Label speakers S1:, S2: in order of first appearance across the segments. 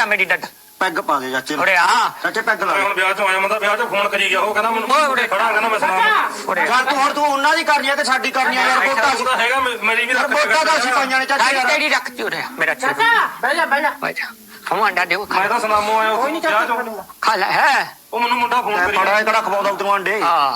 S1: ਆ ਮੇਰੀ ਡੱਡ
S2: ਪੈਗ ਪਾ ਦੇ ਚਾਚੇ
S1: ਉਰੇ ਆ
S2: ਚਾਚੇ ਪੈਗ ਲਾ
S3: ਹੁਣ ਵਿਆਹ ਚੋਂ ਆਇਆ ਮੈਂ ਵਿਆਹ ਚੋਂ ਫੋਨ ਕਰੀ ਗਿਆ ਉਹ ਕਹਿੰਦਾ ਮੈਨੂੰ ਖੜਾ ਕਹਿੰਦਾ ਮੈਂ ਸੁਣਾ
S1: ਉਰੇ
S2: ਯਾਰ ਤੂੰ ਹੁਣ ਤੂੰ ਉਹਨਾਂ ਦੀ ਕਰਨੀ ਹੈ ਕਿ ਸਾਡੀ ਕਰਨੀ ਹੈ ਯਾਰ ਵੋਟਾਂ
S3: ਉਹਦਾ ਹੈਗਾ ਮੇਰੀ ਵੀ
S2: ਵੋਟਾਂ ਦਾ ਅਸੀਂ ਪਾਈਆਂ ਨੇ ਚਾਚੇ ਯਾਰ
S1: ਤੇਰੀ ਰੱਖ ਤੀ ਉਰੇ ਮੇਰਾ
S4: ਚਾਚਾ ਬਹਿ ਜਾ
S1: ਹਮ ਅੰਡਾ ਦਿਓ
S3: ਮੈਂ ਤਾਂ ਸੁਨਾਮੋ ਆਇਆ
S4: ਕੋਈ ਨਹੀਂ
S3: ਵਿਆਹ
S4: ਚਾਚਾ
S3: ਚੋਂ
S1: ਖਾ ਲੈ ਹੈ
S3: ਉਹ ਮੈਨੂੰ ਮੁੰਡਾ ਫੋਨ ਕਰੀ
S2: ਫੜਾ ਇਹ ਕਿਹੜਾ ਖਵਾਉਂਦਾ ਉਤੋਂ ਅੰਡੇ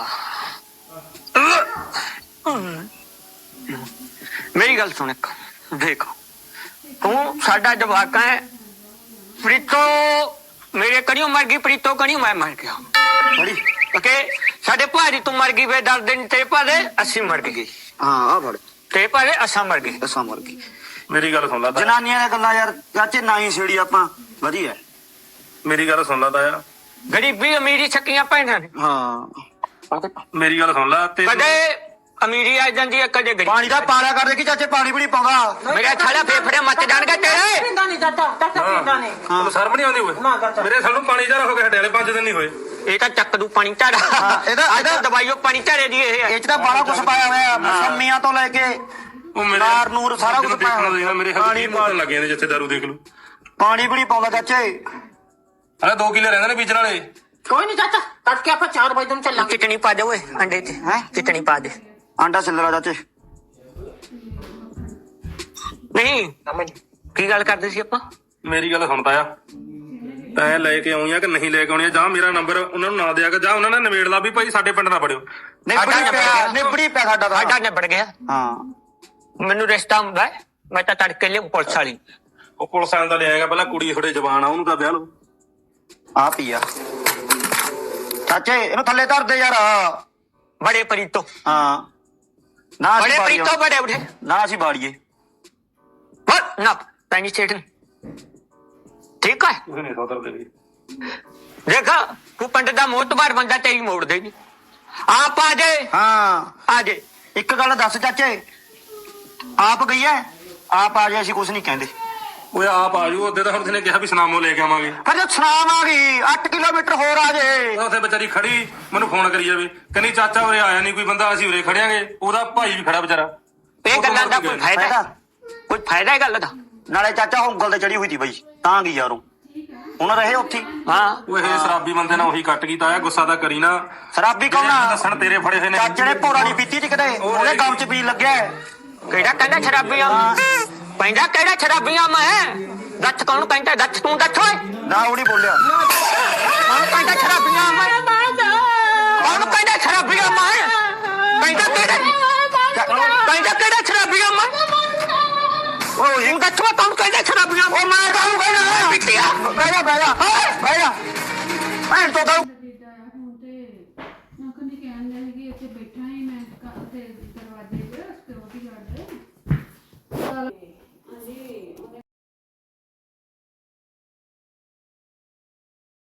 S1: ਮੇਰੀ ਗੱਲ ਸੁਣ ਇੱਕ ਦੇਖ ਤੂੰ ਸਾਡਾ ਜਵਾਕ ਹੈ ਪ੍ਰੀਤੋ ਮੇਰੇ ਕਣੀਓ ਮਰ ਗਈ ਪ੍ਰੀਤੋ ਕਣੀਓ ਮੈਂ ਮਰ ਗਿਆ
S2: ਬੜੀ
S1: ਓਕੇ ਸਾਡੇ ਭਾਜੀ ਤੂੰ ਮਰ ਗਈ ਵੇ ਦਰਦ ਨਹੀਂ ਤੇਰੇ ਭਾਦੇ ਅਸੀਂ ਮਰ ਗਏ
S2: ਹਾਂ ਆ ਫੜ
S1: ਤੇਰੇ ਭਾਦੇ ਅਸਾਂ ਮਰ ਗਏ
S2: ਅਸਾਂ ਮਰ ਗਈ
S3: ਮੇਰੀ ਗੱਲ ਸੁਣ ਲਾ ਤਾਇਆ
S2: ਜਨਾਨੀਆਂ ਦੀਆਂ ਗੱਲਾਂ ਯਾਰ ਚਾਚੇ ਨਾ ਹੀ ਛੇੜੀ ਆਪਾਂ ਵਧੀਆ
S3: ਮੇਰੀ ਗੱਲ ਸੁਣ ਲਾ ਤਾਇਆ
S1: ਗਰੀਬੀ ਅਮੀਰੀ ਛੱਕੀਆਂ ਭੈਣਾਂ ਨੇ
S2: ਹਾਂ
S3: ਮੇਰੀ ਗੱਲ ਸੁਣ ਲਾ ਤੇ
S1: ਕਦੇ ਅਮੀਰੀ ਆ ਜਾਂਦੀ ਹੈ ਕਦੇ ਗਰੀਬੀ
S2: ਪਾਣੀ ਦਾ ਪਾਲਿਆ ਕਰ ਦੇਖੀ ਚਾਚੇ ਪਾਣੀ ਵੀ ਨਹੀਂ ਪਾਉਂਦਾ
S1: ਮੇਰਾ ਥਾਲਾ ਫੇਫੜੇ ਮੱਚ ਜਾਣਗੇ ਤੇਰੇ
S4: ਪੀਂਦਾ ਨਹੀਂ ਚਾਚਾ ਪੀਂਦਾ ਨਹੀਂ
S3: ਤੈਨੂੰ ਸ਼ਰਮ ਨਹੀਂ ਆਉਂਦੀ
S4: ਨਾ
S3: ਓਏ
S4: ਚਾਚਾ।
S3: ਮੇਰੇ ਸਾਨੂੰ ਪਾਣੀ ਜਾ ਹੋ ਗਿਆ ਹਟਿਆਲੇ 5 ਦਿਨ ਨਹੀਂ ਹੋਏ
S1: ਇਹ ਤਾਂ ਚੱਕ ਦੂ ਪਾਣੀ ਝਾੜਾ
S2: ਇਹਦਾ
S1: ਦਵਾਈਓ ਪਾਣੀ ਝਾੜੇ ਦੀ ਇਹ
S2: ਇਹ ਚ ਤਾਂ ਬਾਲਾ ਕੁਛ ਪਾਇਆ ਹੋਇਆ ਮਸੰਮੀਆਂ ਤੋਂ ਲੈ ਕੇ
S3: ਉਹ ਮੇਰੇ
S2: ਨਾਰ ਨੂਰ ਸਾਰਾ ਕੁਛ ਪਾਇਆ
S3: ਦੇਖਣਾ
S2: ਹੋਇਆ
S3: ਮੇਰੇ ਹੱਥ ਕੀ ਮਾਰਨ ਲੱਗੇ ਨੇ ਜਿੱਥੇ ਦਾਰੂ ਦੇਖ ਲੂ
S2: ਪਾਣੀ ਵੀ ਨਹੀਂ ਪਾਉਂਦਾ ਚਾਚੇ
S3: ਅਰੇ 2 ਕਿੱਲੇ ਰਹਿੰਦੇ ਨੇ ਬੀਜਣ ਵਾਲੇ
S4: ਕੋਈ ਨਹੀਂ ਚਾਚਾ ਤੜਕੇ ਆਪਾਂ 4 ਵਜੇ ਨੂੰ ਚੱਲਾਂਗੇ
S1: ਚਟਣੀ ਪਾ ਦੇ ਓਏ ਅੰਡੇ ਤੇ
S2: ਹੈਂ?
S1: ਚਟਣੀ ਪਾ ਦੇ
S2: ਆਂਡਾ ਛਿੱਲਰਾ ਚਾਚੇ
S1: ਨਹੀਂ ਕੀ ਗੱਲ ਕਰਦੇ ਸੀ ਆਪਾਂ
S3: ਮੇਰੀ ਗੱਲ ਸੁਣ ਤਾਇਆ ਤੈਂ ਲੈ ਕੇ ਆਉਣੀ ਆ ਕਿ ਨਹੀਂ ਲੈ ਕੇ ਆਉਣੀ ਆ ਜਾਂ ਮੇਰਾ ਨੰਬਰ ਉਹਨਾਂ ਨੂੰ ਨਾ ਦਿਆ ਕਰ ਜਾਂ ਉਹਨਾਂ ਨੇ ਨਿਬੇੜ ਲਾ ਵੀ ਭਾਈ ਸਾਡੇ ਪਿੰਡ ਨਾ ਪੜਿਓ
S2: ਨਿਬੜੀ ਪਿਆ ਸਾਡਾ ਤਾਂ
S1: ਸਾਡਾ ਨਿਬੜ ਗਿਆ
S2: ਹਾਂ
S1: ਮੈਨੂੰ ਰਿਸ਼ਤਾ ਹੁੰਦਾ ਹੈ, ਮੈਂ ਤਾਂ ਤੜਕੇ ਲਿਆ ਪੁਲਿਸ ਵਾਲੀ
S3: ਉਹ ਪੁਲਿਸ ਵਾਲਿਆਂ ਦਾ ਲਿਆਏਗਾ ਪਹਿਲਾਂ ਕੁੜੀ ਥੋੜੇ ਜਵਾਨ ਆ ਉਹਨੂੰ ਤਾਂ ਵਿਆਹ ਲਓ
S2: ਆ ਪੀਆ ਚਾਚੇ ਇਹਨੂੰ ਥੱਲੇ ਧਰ ਦੇ ਯਾਰ
S1: ਬੜੇ ਪ੍ਰੀਤੋ
S2: ਹਾਂ ਨਾ
S1: ਬੜੇ
S2: ਅਸੀਂ
S1: ਪ੍ਰੀਤੋ
S2: ਬਾੜੀਏ
S1: ਬੜੇ ਉਠੇ
S2: ਨਾ ਅਸੀਂ ਬਾੜੀਏ
S1: ਨਾ ਪੈਣੀ ਚੇਟਨ ਠੀਕ ਹੈ
S3: ਤੁਸੀਂ ਨਹੀਂ ਸੋਦਰ ਦੇ
S1: ਦੇਖ ਤੂੰ ਪਿੰਡ ਦਾ ਮੋਤਬਾਰ ਬੰਦਾ ਤੇਰੀ ਮੋੜ ਦੇ ਨਹੀਂ ਆਪ ਆ ਜੇ
S2: ਹਾਂ
S1: ਆ ਜੇ
S2: ਇੱਕ ਗੱਲ ਦੱਸ ਚਾਚੇ ਆਪ ਗਈ ਐ ਆਪ ਆ ਜੇ ਅਸੀਂ ਕੁਝ ਨਹੀਂ ਕਹਿੰਦੇ
S3: ਓਏ ਆਪ ਆ ਜੂ ਉਹਦੇ ਤਾਂ ਹੁਣ ਨੇ ਕਿਹਾ ਵੀ ਸੁਨਾਮੋ ਲੈ ਕੇ ਆਵਾਂਗੇ
S2: ਫਿਰ ਜੇ ਸੁਨਾਮ ਆ ਗਈ 8 ਕਿਲੋਮੀਟਰ ਹੋਰ ਆ ਜੇ
S3: ਉੱਥੇ ਵਿਚਾਰੀ ਖੜੀ ਮੈਨੂੰ ਫੋਨ ਕਰੀ ਜਾਵੇ ਕਹਿੰਦੀ ਚਾਚਾ ਉਰੇ ਆਇਆ ਨਹੀਂ ਕੋਈ ਬੰਦਾ ਅਸੀਂ ਉਰੇ ਖੜਿਆਂਗੇ ਉਹਦਾ ਭਾਈ ਵੀ ਖੜਾ ਵਿਚਾਰਾ
S1: ਇਹ ਗੱਲਾਂ ਦਾ ਕੋਈ ਫਾਇਦਾ ਹੈ? ਕੋਈ ਫਾਇਦਾ ਹੈ ਗੱਲ ਦਾ
S2: ਨਾਲੇ ਚਾਚਾ ਉਂਗਲ ਤੇ ਚੜੀ ਹੋਈ ਸੀ ਬਈ ਤਾਂ ਗਈ ਯਾਰੋਂ ਹੁਣ ਰਹੇ ਉੱਥੇ
S1: ਹਾਂ
S3: ਉਹ ਇਹ ਸ਼ਰਾਬੀ ਬੰਦੇ ਨਾਲ ਉਹੀ ਕੱਟ ਗਈ ਤਾਇਆ ਗੁੱਸਾ ਤਾਂ ਕਰੀ ਨਾ
S2: ਸ਼ਰਾਬੀ ਕੌਣ ਆ
S3: ਦੱਸਣ ਤੇਰੇ ਫੜੇ ਹੋਏ ਨੇ
S2: ਚਾਚੇ ਨੇ ਪੌੜਾ ਨਹੀਂ ਪੀਤੀ ਸੀ ਕਦੇ ਉਹਦੇ ਗਮ ਚ ਪੀ ਲੱਗਿਆ
S1: ਕਿਹੜਾ ਕਹਿੰਦਾ ਸ਼ਰਾਬੀਆਂ ਪੈਂਦਾ ਕਿਹੜਾ ਸ਼ਰਾਬੀਆਂ ਮੈਂ ਦੱਸ ਕੌਣ ਕਹਿੰਦਾ ਦੱਸ ਤੂੰ ਦੱਸ ਓਏ
S2: ਨਾ ਉਹ ਨਹੀਂ ਬੋਲਿਆ
S1: ਕੌਣ ਕਹਿੰਦਾ ਸ਼ਰਾਬੀਆਂ ਮੈਂ ਕੌਣ ਕਹਿੰਦਾ ਸ਼ਰਾਬੀਆਂ ਮੈਂ ਕਹਿੰਦਾ ਕਿਹੜਾ ਸ਼ਰਾਬੀਆਂ ਮੈਂ ਉਹ ਇਹ ਦੱਸੋ ਕੌਣ ਕਹਿੰਦਾ ਸ਼ਰਾਬੀਆਂ ਮੈਂ ਕੌਣ ਕਹਿੰਦਾ ਬਿੱਟਿਆ
S2: ਬਹਿ ਜਾ ਭੈਣ ਤੋਂ ਤਾਂ
S5: ਆਇਆ ਹੁਣ ਤੇ ਮੈਂ ਕਹਿੰਦੀ ਕਹਿਣ ਲੱਗੀ ਕਿ ਇੱਥੇ ਬੈਠਾ ਹੀ ਮੈਂ ਤੇ